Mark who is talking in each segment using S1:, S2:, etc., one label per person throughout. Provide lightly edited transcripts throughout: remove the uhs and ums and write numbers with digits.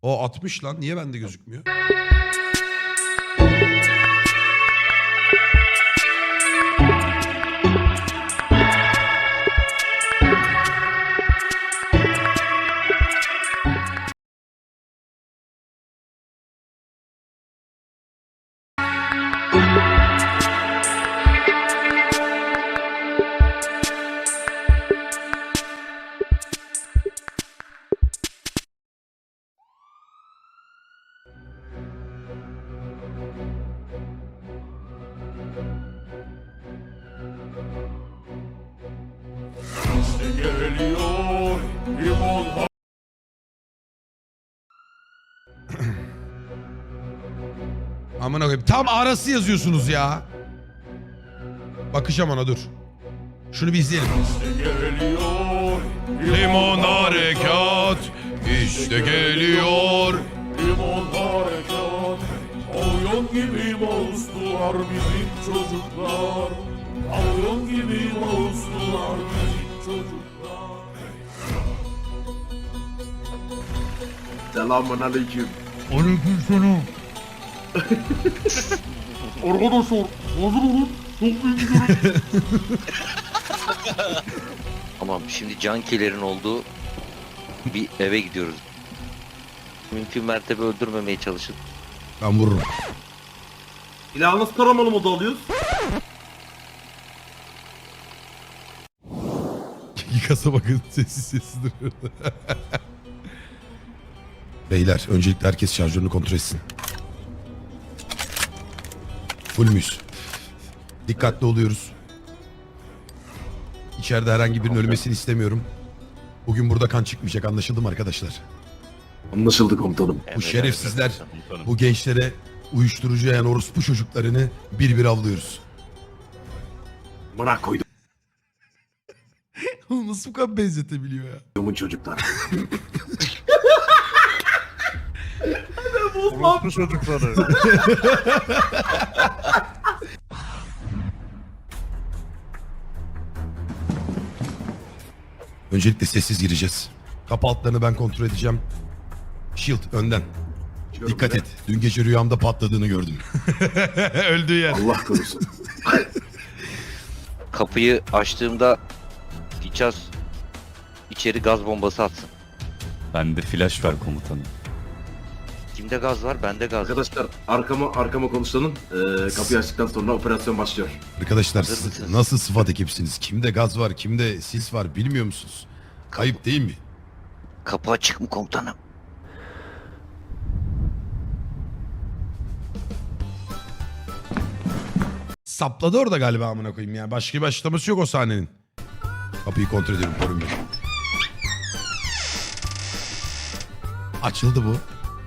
S1: O 60 lan. Niye bende gözükmüyor?
S2: Geliyor limon.
S1: Amına koyayım. Tam arası yazıyorsunuz ya. Bakacağım ona, dur. Şunu bir izleyelim.
S2: Geliyor
S1: Limon harekat işte geliyor.
S2: limon harekat. Avyon gibi moustular bizim çocuklar. Avyon gibi moustular bizim çocuklar.
S3: Selamun aleyküm.
S1: Aleykümselam.
S2: Arkadaşlar hazır olun. Çok büyük bir
S4: Tamam, şimdi cankilerin olduğu bir eve gidiyoruz. Mümkün mertebe öldürmemeye çalışın.
S1: Ben vururum.
S3: İlahı nasıl taramalı modu alıyoruz?
S1: Yıkasa bakın, sessiz sessiz duruyor. Beyler, öncelikle herkes şarjörünü kontrol etsin. Full müyüz? Dikkatli oluyoruz. İçeride herhangi birinin ölmesini istemiyorum. Bugün burada kan çıkmayacak, anlaşıldı mı arkadaşlar?
S3: Anlaşıldı komutanım.
S1: Bu şerefsizler, bu gençlere uyuşturucu yayan orospu çocuklarını bir bir avlıyoruz.
S3: Bana koydum
S1: Nasıl bu kadar benzetebiliyor ya?
S3: çocuklar.
S2: orospu çocukları.
S1: Öncelikle sessiz gireceğiz. Kapı altlarını ben kontrol edeceğim. Shield önden. Dikkat et. Dün gece rüyamda patladığını gördüm. Öldüğü yer.
S3: Allah korusun.
S4: Kapıyı açtığımda Ficaz içeri gaz bombası atsın.
S5: Bende flash ver komutanım.
S4: Kimde gaz var? Bende gaz var.
S3: Arkadaşlar arkama konuşlanın. Kapıyı açtıktan sonra operasyon başlıyor.
S1: Arkadaşlar
S4: Hazır
S1: siz
S4: mısınız?
S1: nasıl sıfat ekipsiniz? Kimde gaz var, kimde sis var bilmiyor musunuz? Kayıp değil mi?
S4: Kapı açık mı komutanım?
S1: Sapladı orada galiba, amına koyayım ya. Başka bir açıklaması yok o sahnenin. Kapıyı kontrol ediyorum, korun beni. Açıldı bu.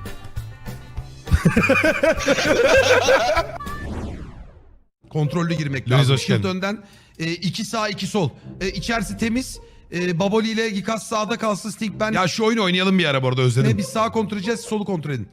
S1: Kontrollü girmek lazım. Shield önden. 2 sağ 2 sol. İçerisi temiz. Baboli ile Gikas sağda kalsın. Sting ben. Ya şu oyunu oynayalım bir ara, bu arada özledim. Biz sağa kontrol edeceğiz, solu kontrol edin.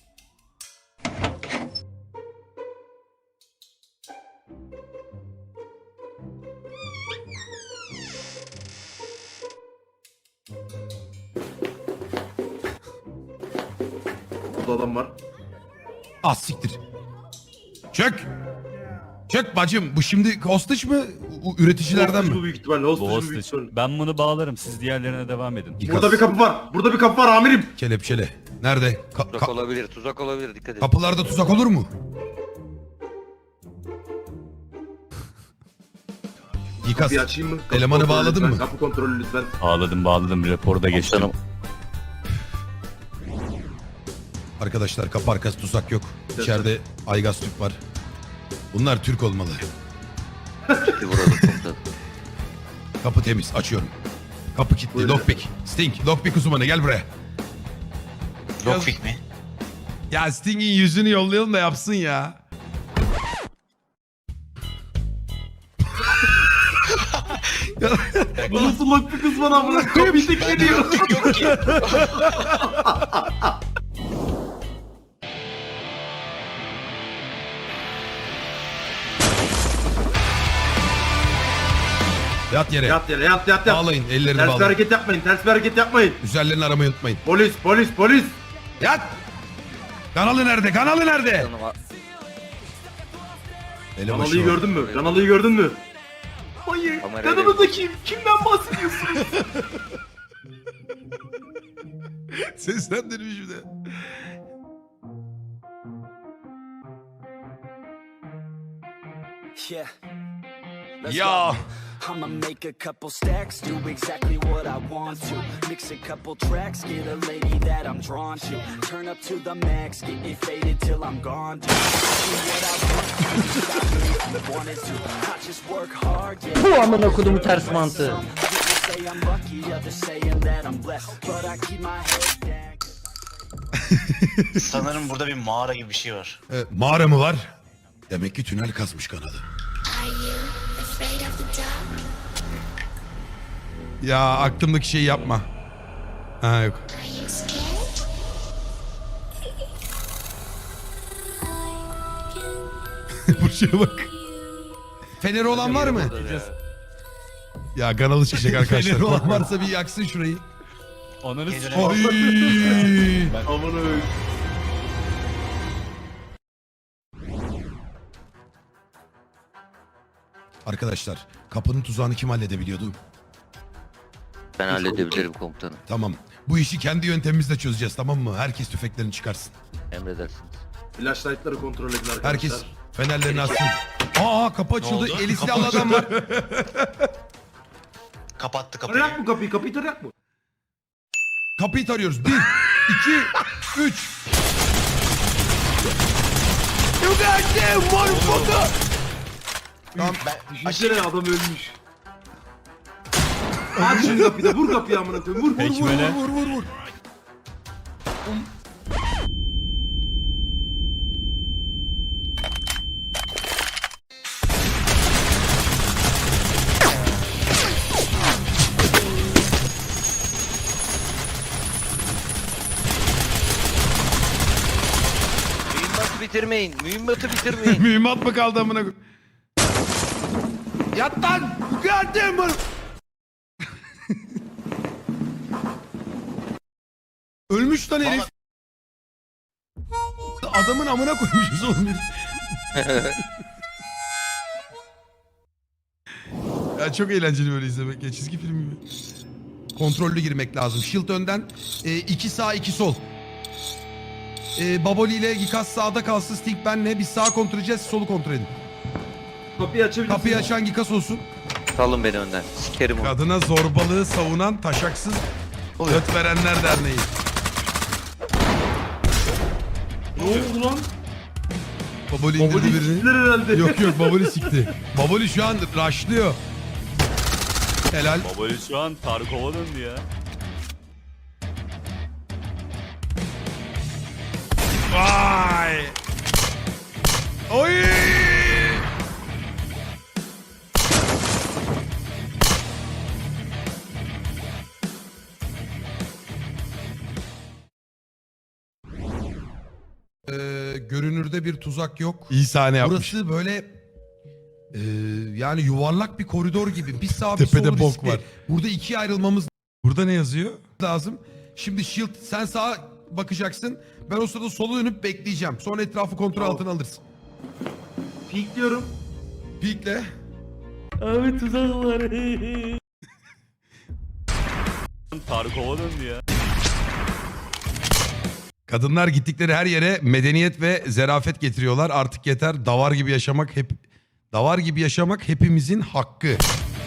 S3: Burada adam var.
S1: Az siktir. Çök. Çök bacım. Bu şimdi hostage mı? Üreticilerden
S3: Bu
S1: mi?
S3: büyük ihtimalle.
S5: Bu
S3: Hostage bu büyük
S5: hostage.
S3: ihtimalle.
S5: Ben bunu bağlarım. Siz diğerlerine devam edin.
S1: Gikas.
S3: Burada bir kapı var. Burada bir kapı var amirim.
S1: Kelepçele. Nerede?
S4: Tuzak olabilir, tuzak olabilir. Dikkat edin.
S1: Kapılarda tuzak olur mu? Gikas.
S3: Kapıyı açayım mı? Kapı
S1: Elemanı
S3: kontrolü
S1: bağladın
S3: lütfen.
S1: mı?
S3: Kapı kontrolü lütfen.
S5: Bağladım. Raporu da geçtim.
S4: Komutanım,
S1: Arkadaşlar kapı arkası tuzak yok. İçeride Aygaz Türk var. Bunlar Türk olmalı.
S4: bir vuralım komutanım.
S1: Kapı temiz. Açıyorum. Kapı kilitli.
S3: Buyurun.
S1: Lockpick. Sting. Lockpick uzmanı gel buraya.
S6: Lockpick mi?
S1: Ya Sting'in yüzünü yollayalım da yapsın ya.
S3: Bu nasıl lock bir kız bana amına kapıyı tekleniyor.
S6: Yok ki.
S1: Yat yere.
S3: Yat yere yat.
S1: Bağlayın. Ellerini
S3: Ters bir
S1: bağlayın.
S3: hareket yapmayın. Ters bir hareket yapmayın.
S1: Üzerlerini aramayı unutmayın.
S3: Polis.
S1: Yat! Kanalı nerede? Kanalı nerede?
S4: Canıma-
S1: Elebaşı
S3: Kanalıyı
S1: var.
S3: gördün mü? Kanalıyı gördün mü? Hayır.
S4: Kamerayla-
S3: Kanalında kim? Kimden bahsediyorsun?
S1: Seslendirmiş bir de.
S7: Yeah. Let's
S1: Ya.
S7: go. I'ma make a couple stacks, do exactly what I want to. Mix a couple tracks, get a lady that I'm drawn to. Turn up to the max, get me faded till I'm gone. Do what I want to, stop me if you wanted to. I just work hard, yeah.
S8: Bu amına kodumu ters mantığı.
S7: People say I'm lucky, others saying that I'm blessed. But I keep my head down.
S6: Sanırım burada bir mağara gibi bir şey var.
S1: Mağara mı var? Demek ki tünel kazmış kanalı. Ya aklımdaki şeyi yapma. Ha yok. Buraya bak. Feneri olan var mı? Ya kanalı çıkacak arkadaşlar. Feneri olan varsa bir yaksın şurayı.
S5: Ananı
S6: Geceler-
S5: s***.
S1: Ay.
S3: Aman öyle.
S1: Arkadaşlar kapının tuzağını kim halledebiliyordu?
S4: Ben halledebilirim komutanım.
S1: Tamam. Bu işi kendi yöntemimizle çözeceğiz, tamam mı? Herkes tüfeklerini çıkarsın.
S4: Emredersiniz.
S3: Flashlight'ları kontrol edin arkadaşlar.
S1: Herkes fenerlerini açsın. Aa kapı açıldı.
S6: oldu?
S1: Eli
S6: Kapı
S1: silahlı adam var.
S6: Kapattı kapıyı.
S3: Tarayak mı kapıyı? Kapıyı tarayak mı?
S1: Kapıyı tarıyoruz. 1, 2, 3. Tamam.
S3: Düşünsene adam ölmüş. Aç şimdi kapıyı da vur kapıyı amına koyayım. Vur.
S5: Ekmele.
S1: Vur.
S4: Mühimmatı bitirmeyin. Mühimmatı bitirmeyin.
S1: Mühimmat mı kaldı amına koy? Yat lan! Geldim bunu. Ölmüş lan herif. Adamın amına koymuşuz oğlum. Ya çok eğlenceli böyle izlemek ya, çizgi film gibi. Kontrollü girmek lazım. Shield önden, 2 sağ 2 sol. Baboli ile Gikas sağda kalsın, Sting benle. Biz sağ kontrol edeceğiz, solu kontrol edin.
S3: Kapıyı açabilirsin.
S1: Kapıyı açan Gikas olsun.
S4: Salın beni önden. Sikerim onu.
S1: Kadına zorbalığı savunan Taşaksız Göt Verenler Derneği.
S3: Ne oldu lan?
S1: Baboli indirdi
S3: Baboli
S1: birini.
S3: siktiler herhalde.
S1: Yok Baboli sikti. Baboli şu an rushlıyor. Helal.
S5: Babali şu an Tarkov'a döndü ya.
S1: Vay. Oy. Görünürde bir tuzak yok. İyi sahne yapmış. Burası böyle yani yuvarlak bir koridor gibi. Bir sağ bir
S9: Tepede
S1: sol
S9: bok
S1: riskli.
S9: var.
S1: Burada 2 ayrılmamız
S9: Burada ne yazıyor?
S1: lazım. Şimdi Shield sen sağa bakacaksın. Ben o sırada sola dönüp bekleyeceğim. Sonra etrafı kontrol
S3: Tamam.
S1: altına alırsın.
S3: Peek diyorum.
S1: Peekle.
S8: Abi tuzak var.
S5: Tarkov'a döndü ya.
S1: Kadınlar gittikleri her yere medeniyet ve zerafet getiriyorlar. Artık yeter. Davar gibi yaşamak hepimizin hakkı.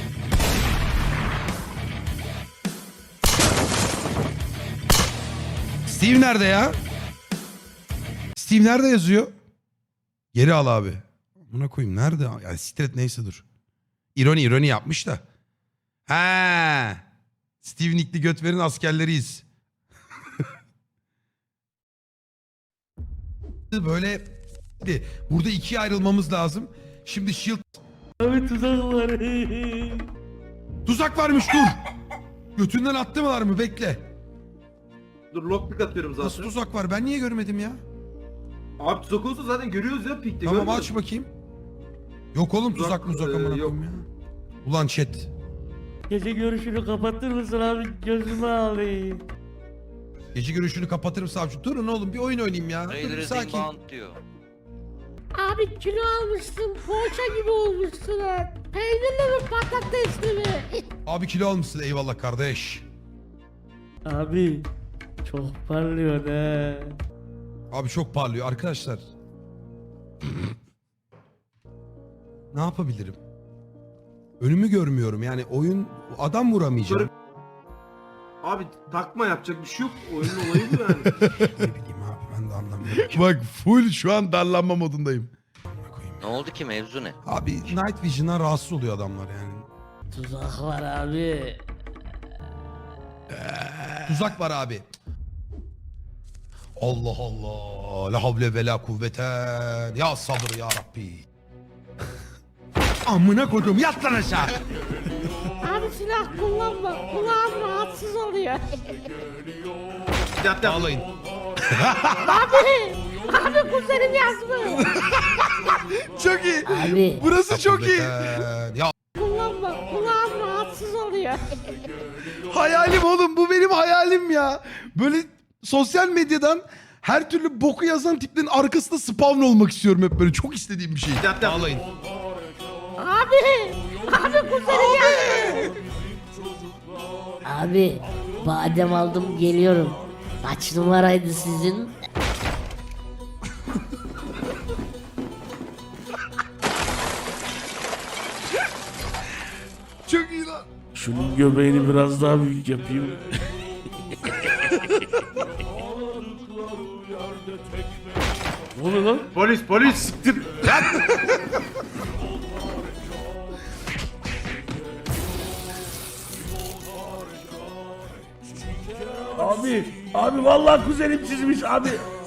S1: Steve nerede ya? Steve nerede yazıyor? Geri al abi. Buna koyayım. Nerede? Yani siktir et, neyse dur. İroni yapmış da. Ha. Steve Nick'li Götver'in askerleriyiz. Böyle burada 2'ye ayrılmamız lazım. Şimdi Shield
S8: Abi tuzak var.
S1: tuzak varmış, dur. Götünden attılar mı? Bekle.
S3: Dur lockpick atıyorum zaten.
S1: Nasıl tuzak var? Ben niye görmedim ya?
S3: Abi tuzak olsa zaten görüyoruz ya Peek'te.
S1: Tamam
S3: görmüyor
S1: aç
S3: musun?
S1: bakayım. Yok oğlum tuzak
S3: Tuzak,
S1: amına
S3: yok.
S1: koyayım ya. Ulan chat.
S8: Gece görüşünü kapatır mısın abi? Gözümü alayım.
S1: Gece görüşünü kapatırım savcı. Durun oğlum bir oyun oynayayım ya. Durun
S4: Raiders
S1: sakin.
S4: inbound diyor.
S9: Abi kilo almışsın, poğaça gibi olmuşsun ha. Peynirli mi patatesli mi?
S1: Abi kilo almışsın eyvallah kardeş.
S8: Abi çok parlıyor he.
S1: Abi çok parlıyor arkadaşlar. Ne yapabilirim? Önümü görmüyorum yani oyun adam vuramayacağım.
S3: Abi takma yapacak bir şey yok. Oyunun olayı bu yani.
S1: Ne bileyim abi ben de anlamıyorum. Bak full şu an darlanma modundayım.
S4: Ne oldu ki, mevzu ne?
S1: Abi Night Vision'dan rahatsız oluyor adamlar yani.
S8: Tuzak var abi.
S1: Tuzak var abi. Allah Allah. La havle ve la kuvveten. Ya sabır ya Rabbi. Amına koydum yat lan aşağı.
S9: Abi silah kullanma, kulağım rahatsız oluyor.
S3: Yat yat.
S1: Ağlayın.
S9: Abi kuzenim yazmış.
S1: Çok iyi.
S8: Abi.
S1: Burası çok iyi. Ya
S9: Kullanma, kulağım rahatsız oluyor.
S1: hayalim oğlum bu benim hayalim ya. Böyle sosyal medyadan her türlü boku yazan tiplerin arkasında spawn olmak istiyorum hep böyle. Çok istediğim bir şey.
S3: Yat yat.
S1: Ağlayın.
S9: Abi kuzenim yazmış.
S8: Abi badem aldım geliyorum. Kaç numaraydı sizin?
S1: Çok iyi lan.
S8: Şunun göbeğini biraz daha büyük yapayım. Ne oluyor lan?
S3: Polis siktir.
S8: Abi vallahi kuzenim çizmiş abi.